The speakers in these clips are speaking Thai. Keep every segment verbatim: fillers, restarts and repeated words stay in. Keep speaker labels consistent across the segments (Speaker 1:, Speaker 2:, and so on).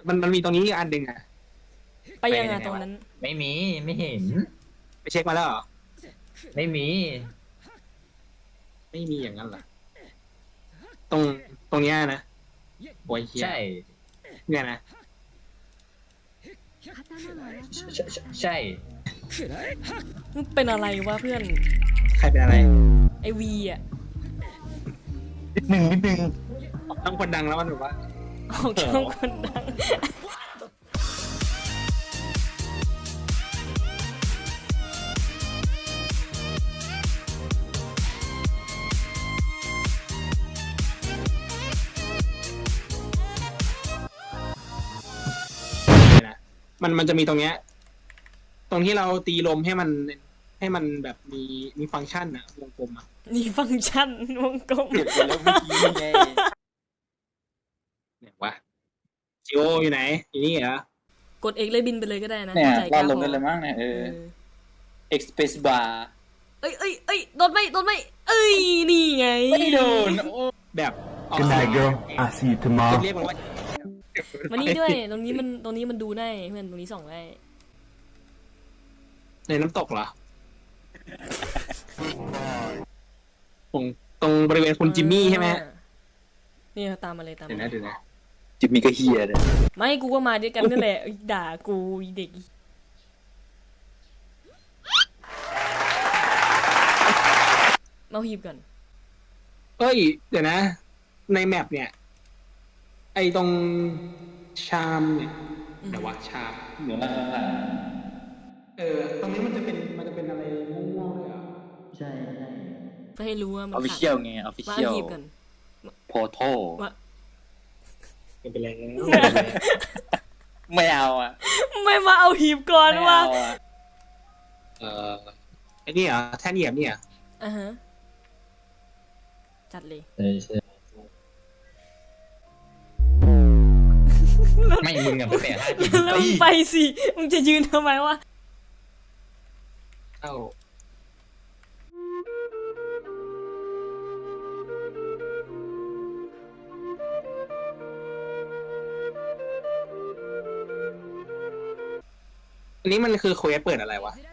Speaker 1: มันมันมีตรงนี้อีกอันหนึ่งอะ
Speaker 2: ไปยังไงตรงนั้น
Speaker 3: ไม่มีไม่เห็น
Speaker 1: ไปเช็คมาแล้วเหรอ
Speaker 3: ไม่มี
Speaker 1: ไม่มีอย่างนั้นเหรอตรงตรงเนี้ยนะโอ้ยเฮีย
Speaker 3: ใช่
Speaker 1: เนี่ยนะ
Speaker 3: ใช่ใช่
Speaker 2: มึงเป็นอะไรวะเพื่อน
Speaker 1: ใครเป็นอะไร
Speaker 2: ไอวีอ่ะ
Speaker 1: นิดหนึ่งนิดหนึ่งต้องคนดังแล้วมันแบบว่า
Speaker 2: ออกช่องคนดัง
Speaker 1: นะมันมันจะมีตรงเนี้ย ตรงที่เราตีลมให้มันให้มันแบบมีมีฟังก์ชันอะวงกลมอะ
Speaker 2: นี่ฟังก์ชันวงกลม
Speaker 1: เปลี่ยนไปแล้วเมื่อกี้นี่ไงเนี่ยวะจิโออยู่ไหนอยู่นี่เหรอก
Speaker 2: ดเอกเลยบินไปเลยก็ได้นะ
Speaker 4: เนี่ย
Speaker 2: ใจ
Speaker 4: ร
Speaker 2: ก
Speaker 4: อ
Speaker 2: ล้า
Speaker 4: ดลง
Speaker 2: พ
Speaker 4: ได้
Speaker 2: อ
Speaker 4: เลยมั้งเนี่ยเอ
Speaker 2: เอ
Speaker 4: อ
Speaker 2: อ
Speaker 4: Express bar
Speaker 2: เอ้ยเอ้ยเอ้ยโดนไหมโดนไหมเอ้ยนี่ไง
Speaker 4: ไม่โดนโอ้
Speaker 1: แบบออก
Speaker 5: Good
Speaker 1: เสีย
Speaker 5: night,
Speaker 1: ง
Speaker 5: girl. I see you
Speaker 1: จะ
Speaker 5: tomorrow.
Speaker 1: เรียกมันว่า
Speaker 2: มานี่ด้วยตรงนี้มันตรงนี้มันดูได้เพื่อนตรงนี้ส่องได้
Speaker 1: ในน้ำตกเหรอตรงตรงบริเวณคุณจิมมี่ใช่ไหมฮะ
Speaker 2: เนี่ยตามมาเลยตาม
Speaker 1: เดี๋ยว
Speaker 2: มา
Speaker 1: นะเดี๋ยวนะ
Speaker 4: จิมมี่ก็เฮียเลย
Speaker 2: ไม่กูก็มาด้วยกันนั่นแหละด่ากูเด็กมาหีบก่อน
Speaker 1: เอ้ย เดี๋ยวนะ ในแมปเนี่ย ไอตรงชามเนี่ยเดี๋ยววะชาม
Speaker 4: เหนือล่างล่าง
Speaker 1: เออ ตรงนี้มันจะเป็นมันจะเป็นอะไรม่วงๆด้วยเหรอ
Speaker 4: ใช่ใช่
Speaker 2: เพื่อให้รู้ว่ามัน
Speaker 4: ออฟฟิเชียลไงออฟฟิ
Speaker 2: มา
Speaker 4: เชียล
Speaker 2: หีบก่อน
Speaker 4: โพโต้
Speaker 2: มา
Speaker 1: ไม่เป็นไรแล้ว
Speaker 4: ไม่เอาอ่ะ
Speaker 2: ไม่มาเอาหีบก่อน
Speaker 4: ไม่
Speaker 2: วะ
Speaker 4: เอาอ่ะ
Speaker 1: เออไอ้นี่เหรอแท่นเหยียบนี่เหรอ
Speaker 2: อ่ะฮะจัดเลย
Speaker 3: ใช่ใช่ไม่มึงอะไปแปะห้าจิต
Speaker 2: แล้วมึงไปสิมึงจะยืนทำไมวะ
Speaker 1: เข้าอันนี้มันคือเควสเปิดอะไรวะ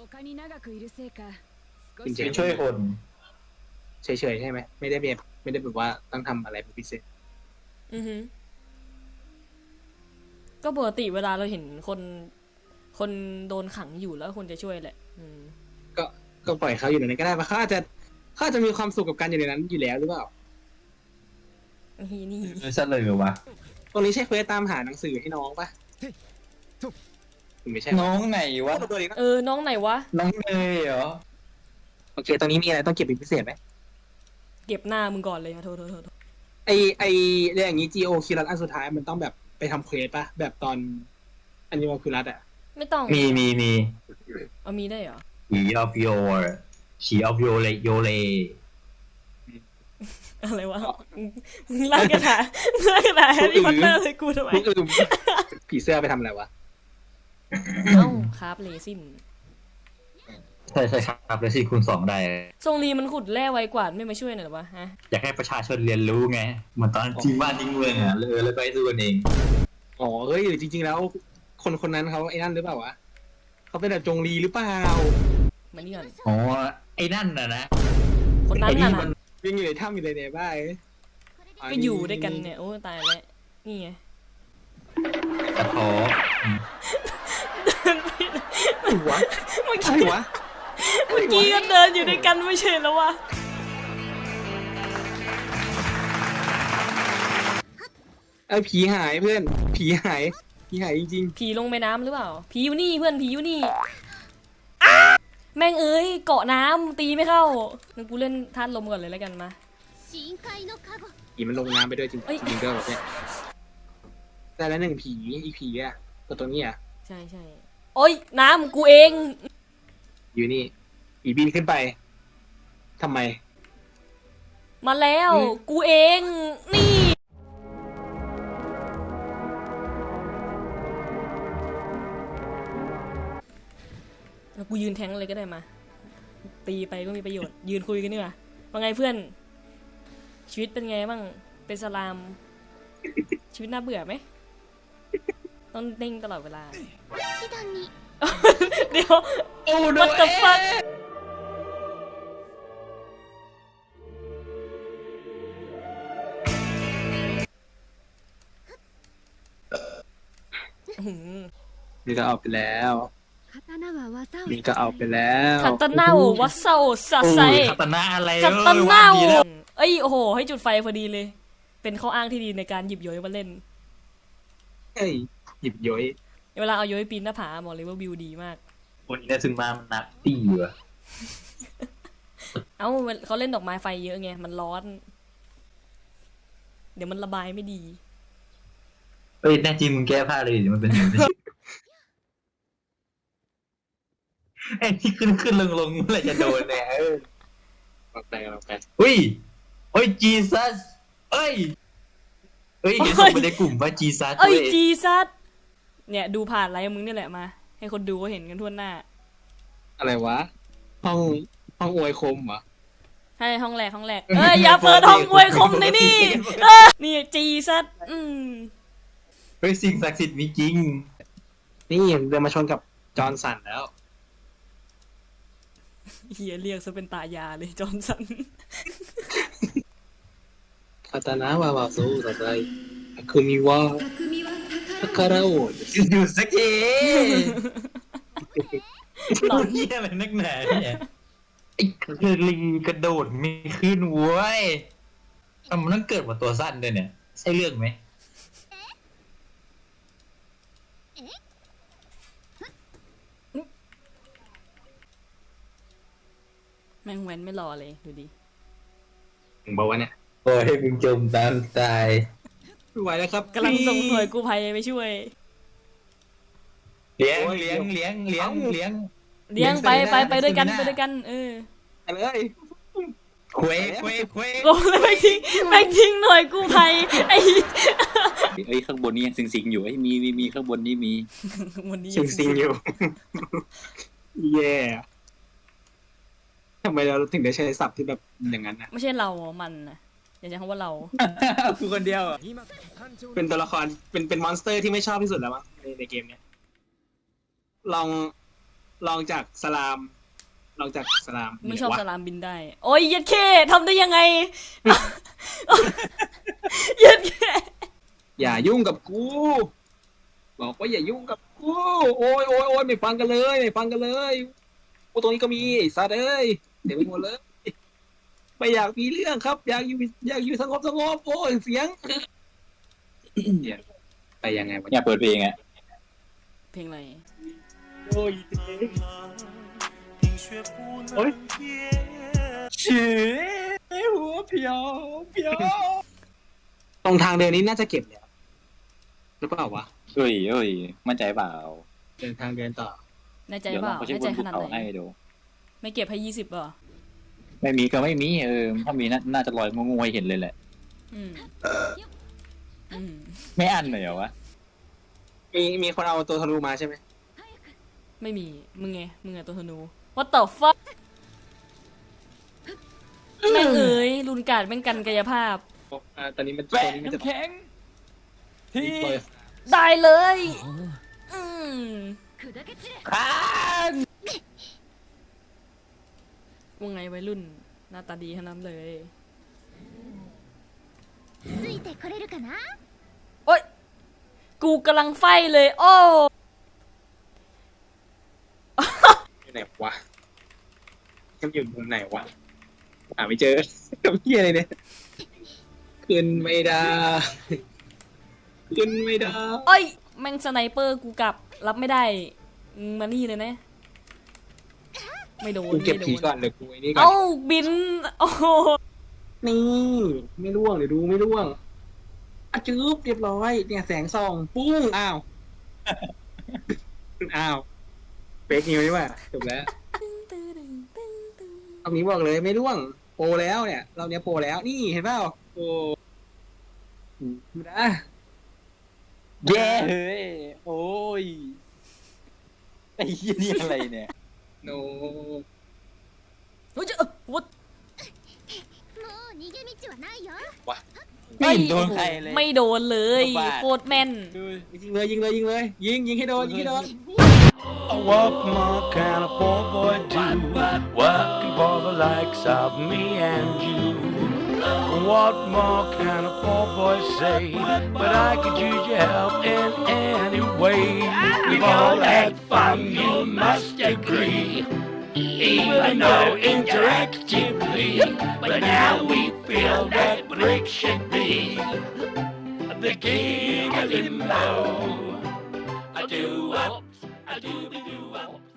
Speaker 1: จริงๆ
Speaker 3: ช่วยคน
Speaker 1: เฉยๆใช่ไหมไม่ได้แบบไม่ได้แบบว่าต้องทำอะไรเป็นพิเศษ
Speaker 2: อือฮึก็ปกติเวลาเราเห็นคนคนโดนขังอยู่แล้วคนจะช่วยแหละอืม
Speaker 1: ก็ก็ปล่อยเขาอยู่ในนั้นก็ได้เพราะเขาอาจจะเขาอาจจะมีความสุขกับการอยู่ในนั้นอยู่แล้วหรือเปล่า
Speaker 2: นี่นี่
Speaker 3: ไม่ใช่เลยวะ
Speaker 1: ตรงนี้ใช่เควสตามหาหนังสือให้น้องปะไม่ใช่
Speaker 4: น้องไหนวะ
Speaker 1: ตัวนี้ก็
Speaker 2: เออน้องไหนวะ
Speaker 4: น้องเนยเหรอ
Speaker 1: โอเคตรงนี้มีอะไรต้องเก็บเป็นพิเศษไหม
Speaker 2: เก็บหน้ามึงก่อนเลยนะโทษโทษโทษ
Speaker 1: ไอไอเรื่องอย่างนี้ จี โอ คิรัตอันสุดท้ายมันต้องแบบไปทำเควสปะแบบตอนอันนี้มาคิรัตอะ
Speaker 2: ไม่ต้อง
Speaker 3: มีมีมี
Speaker 2: เอามีได้เหรอ
Speaker 3: ฉีออฟโยฉีออฟโยเลโยเล
Speaker 2: อะไรวะมึงไล่กระถาไล่กระถาแฮร์รี่พอตเตอร์เลยกูทำไม
Speaker 1: พวกอื่นผีเสื้อไปทำอะไรวะ
Speaker 2: เอ้าครับเลซิน
Speaker 3: ใช่ใช่ครับแล้วสิคูณสองได้
Speaker 2: ทรงรีมันขุดแร่ไวกว่าไม่มาช่วยหน่อยหรอวะฮะ
Speaker 3: อยากให้ประชาชนเรียนรู้ไงเหมือนตอนจริงบ้านจริงเมืองอ่ะเลยแล้วก็ให้สู้กันเอง
Speaker 1: อ๋อเฮ้ยหรือจริง ๆ แล้ว คนคนนั้นเขาไอ้นั่นหรือเปล่าวะเขาเป็นแบบจงรีหรือเปล่า
Speaker 2: มานี่ก่อน
Speaker 3: อ๋อไอ้นั่นน่ะนะ
Speaker 2: คนนั้น
Speaker 3: ไอ้
Speaker 2: น่ะ
Speaker 3: นี่มัน
Speaker 2: นะ
Speaker 1: วิ่งอยู่ในถ้ำอยู่ในในบ้าน
Speaker 2: ก็อยู่ด้วยกันเนี่ยโอ้ตายแล้วนี่ไง
Speaker 3: กระท้อ
Speaker 1: หัว
Speaker 2: เมื่อ
Speaker 1: อะไร
Speaker 2: กี้
Speaker 1: วะ
Speaker 2: เมื่อกี้ก็เดินอยู่ด้วยกันไม่ใช่แล้ววะ
Speaker 1: ไอ้ผีหายเพื่อน ผีหายผีหายจริง
Speaker 2: ผีลงไปน้ำหรือเปล่าผีอยู่นี่เพื่อนผีอยู่นี่แม่งเอ้ยเกาะน้ำตีไม่เข้างั้นกูเล่นท่านลมก่อนเลยแล้วกันมา
Speaker 1: ๆผีมันลงน้ำไปด้วยจริง
Speaker 2: เอ้ย
Speaker 1: จริงๆก็แบบเนี้ยแต่ละหนึ่งผีอีกผีอะตัวตัวนี้อะ
Speaker 2: ใช่ใช่โอ้ยน้ำกูเอง
Speaker 1: อยู่นี่ผีบินขึ้นไปทำไม
Speaker 2: มาแล้ว
Speaker 1: อืม
Speaker 2: กูเองนี่แล้วกูยืนแทงเลยก็ได้มา ตีไปก็มีประโยชน์ ยืนคุยกันดีกว่าว่าไงเพื่อน ชีวิตเป็นไงบ้างเป็นสลาม ชีวิตน่าเบื่อไหมต้องนิ่งตลอดเวลา
Speaker 5: シドニー
Speaker 2: เดี๋ยว
Speaker 1: โอ้โน
Speaker 2: What the fuck อื้อหือ
Speaker 1: นี่ก็เอาไปแล้ว
Speaker 5: 刀は技を
Speaker 1: นี่ก็เอาไปแล้ว
Speaker 2: คาตาน่าโอวัสซาโอซา
Speaker 3: โอ้
Speaker 2: ไซ
Speaker 3: ยคาตานะอะไร
Speaker 2: คาตาน่า
Speaker 3: เอ
Speaker 2: โอ
Speaker 3: อวดีแล้ว
Speaker 2: เอ้ยโอ้โห ให้จุดไฟพอดีเลย เป็นข้ออ้างที่ดีในการหยิบโยยมาเล่น
Speaker 1: เฮ้ยหยิบย้อย
Speaker 2: เวลาเอาโยยปีนหน้าผาบอกเลยว่าวิวดีมาก
Speaker 3: คนนี้ซึงมามันนักตีว่ะ
Speaker 2: เอ้าเขาเล่นดอกไม้ไฟเยอะไง มันร้อน เดี๋ยวมันระบายไม่ดี
Speaker 3: เอ้ยแน่จริงมึงแก้ผ้าเลยเดี๋ยวมันเป็นอย่างนี้ไอ้ที่ขึ้นขึ้นลงลงเมื่อไหรจะโดนเนี่ยเออ
Speaker 1: เอาไปเอาไป
Speaker 3: อุ้ยโอ้ยจีซัสเอ้ยเอ้ยเดี๋ยวส่งไปในกลุ่มว่าจีซัส
Speaker 2: เอ้ย
Speaker 3: ว้
Speaker 2: จีซัดเนี่ยดูผ่านไลฟ์มึงนี่แหละมา ให้คนดูเขาเห็นกันทั่วหน้า
Speaker 1: อะไรวะ ห้องห้องอวยคมเหรอ
Speaker 2: ใช่ห้องแรกห้องแรก เอ้ยอย่าเปิดห้องอวยคมในนี่เออนี่จีซัดอืม
Speaker 3: เฮ้ยสิ่งศักดิ์สิทธิ์มีจริง
Speaker 1: นี่เดินมาชนกับจอห์นสันแล้ว
Speaker 2: เฮียเรียกซะเป็นตายาเลยจอห์นสัน
Speaker 1: คาตานะวาวาซูต่อไปคือมีว่า
Speaker 5: 匠は
Speaker 1: ตะคาราโอ
Speaker 3: อยู่สักที
Speaker 2: หลอน
Speaker 3: เฮียอะไรนักหนาเนี่ยไอ้เคอรีกระโดดไม่ขึ้นเว้ยทำไมมันต้องเกิดมาตัวสั้นด้วยเนี่ยใช่เรื่องไหม
Speaker 2: แม่งแว้นไม่รอเลยดูดิ
Speaker 1: ถึงบอกว่าเนี่ย
Speaker 3: โอ้ยมึงจมตามตาย
Speaker 1: ไม่ไหวแล้วครับ
Speaker 2: กำลังส่งหน่วยกู้ภัยไปช่วย
Speaker 3: เลี้ยงเลี้ยงเลี้ยงเลี้ยงเลี้ยง
Speaker 2: เลี้ยงไปไปไปด้วยกัน
Speaker 3: เลี้ยง
Speaker 2: ไปด้วยกัน เออ
Speaker 1: ไปเลย
Speaker 3: เควเควเคว
Speaker 2: โอ้แล้วแม่งทิ้งแม่งทิ้งหน่วยกู้ภัยไอ้
Speaker 4: เอ้ยข้างบนนี้ยังสิงๆอยู่ไอ้ยมีมีมีข้างบนนี้มี
Speaker 2: วันนี้
Speaker 1: ซิงซิงอยู่ แย่ทำไมเราถึงได้ใช้ศัพท์ที่แบบอย่างนั้นนะ
Speaker 2: ไม่ใช่เรามันนะอย่าใช้คำว่าเรา
Speaker 4: กูคนเดียวอ่ะ
Speaker 1: เป็นตัวละครเป็นเป็นมอนสเตอร์ที่ไม่ชอบที่สุดแล้วมั้งในในเกมเนี้ยลองลองจากสลาม ลองจากสลาม
Speaker 2: ไม่ชอบ
Speaker 1: วะ
Speaker 2: สลามบินได้ โอ้ยเย็ดเคทำได้ยังไง เย็ดเค
Speaker 1: อย่ายุ่งกับกู บอกว่าอย่ายุ่งกับกูโอ้ยโอ้ยโอ้ยไม่ฟังกันเลยไม่ฟังกันเลยกูตรงนี้ก็มีไอ้สัตว์เอ้ยเดี๋ยวไปหมดเลยไม่อยากมีเรื่องครับ อยากอยู่อยากอยู่สงบสงบโอ้ยเสียงเดี๋ยวไปยังไงวะ
Speaker 4: อยากเปิดเพลงอ่ะ
Speaker 2: เพลงอะไร
Speaker 1: โอ้ยโอ้ย
Speaker 4: ฉีหัวเพียวเพียว
Speaker 1: ตรงทางเดินนี้น่าจะเก็บแล้วหรือเปล่าวะ
Speaker 4: เอ้ยเอ้ยมั่นใจเปล่า
Speaker 1: เดินทางเดินต่อ
Speaker 2: แน่ใจ
Speaker 4: เดี๋ยว
Speaker 2: เป
Speaker 4: ลอ
Speaker 2: ล่าง
Speaker 4: เขาเช็ค
Speaker 2: แน่
Speaker 4: บ
Speaker 2: ใจ
Speaker 4: น
Speaker 2: ข
Speaker 4: ภู
Speaker 2: นาด
Speaker 4: เขา
Speaker 2: ไหน
Speaker 4: ให้ดู
Speaker 2: ไม่เก็บให้ยี่สิบป่ะ
Speaker 4: ไม่มีก็ไม่มีเออถ้ามีน่าน่าจะลอยงงๆให้เห็นเลยแหละ
Speaker 2: อืมอืม
Speaker 4: ไม่อั้นเลยเหรอวะ
Speaker 1: มีมีคนเอาตัวทะลุมาใช่ไหม
Speaker 2: ไม่มีมึงไงมึงอะตัวธนู What the fuck แม่งเอ๋ยรุนการดแม่งกันกายภาพ
Speaker 1: อ่าตอนนี้มันต
Speaker 4: แปะ
Speaker 1: อนนี้มันจะ
Speaker 4: น้ำแข็งที่
Speaker 1: ปล่อย
Speaker 2: ได้เลย อืม
Speaker 5: 砕け散れ
Speaker 4: ข้าง
Speaker 2: ว่าไงวัยรุ่น หน้าตาดีขนาดนั้นเลย
Speaker 5: ついてこれるかな
Speaker 2: โอ๊ย กูกำลังไฟเลย โอ้
Speaker 1: อยู่ไหนวะมันอยู่มุมไหนวะหาไม่เจอกับเพี้ยอะไรเนี่ยขึ้นไม่ได้ขึ้นไม่ได้
Speaker 2: โอ้ย แม่งสไนเปอร์กูกลับ รับไม่ได้มึงมานี่เลยนะ ไม่โดน
Speaker 1: กูเก็บ
Speaker 2: ไม่โด
Speaker 1: ผี
Speaker 2: น
Speaker 1: ก่อนเดี๋ยวกูไอ้นี่ก่อ
Speaker 2: เอ้าน บิน โอ้โห
Speaker 1: นี่ไม่ร่วงเดี๋ยวดูไม่ร่วงอะจืบเรียบร้อยเนี่ยแสงส่องปุ้งอ้าวอ้าวเฟกนิวนี่ว่าจบแล้วรอบนี้บอกเลยไม่ร่วงโปรแล้วเนี่ยเราเนี้ยโปรแล้วนี่เห็นเปล่าโอ้ดูนะ
Speaker 4: แย่เฮ้ยโอ้ยไอ้เหี้ยนี่อะไรเนี่ย
Speaker 1: โน
Speaker 2: เฮ้ยจะเอ้อ what
Speaker 5: もう逃げ道はないよ
Speaker 1: วะ
Speaker 4: ไม่เห็นโดนใครเลย
Speaker 2: ไม่โดนเลย
Speaker 4: บ้า
Speaker 2: โคตรแม่น
Speaker 1: ยิงเลยยิงเลยยิงเลยยิงยิงให้โดนยิงให้โดน
Speaker 6: What more can a poor boy do? Working for the likes of me and you. What more can a poor boy say? But I could use your help in any way. We've all had fun, you must agree. Even though interactively, but now we feel that Rick should be the king of limbo. I do, I do, I do, I do.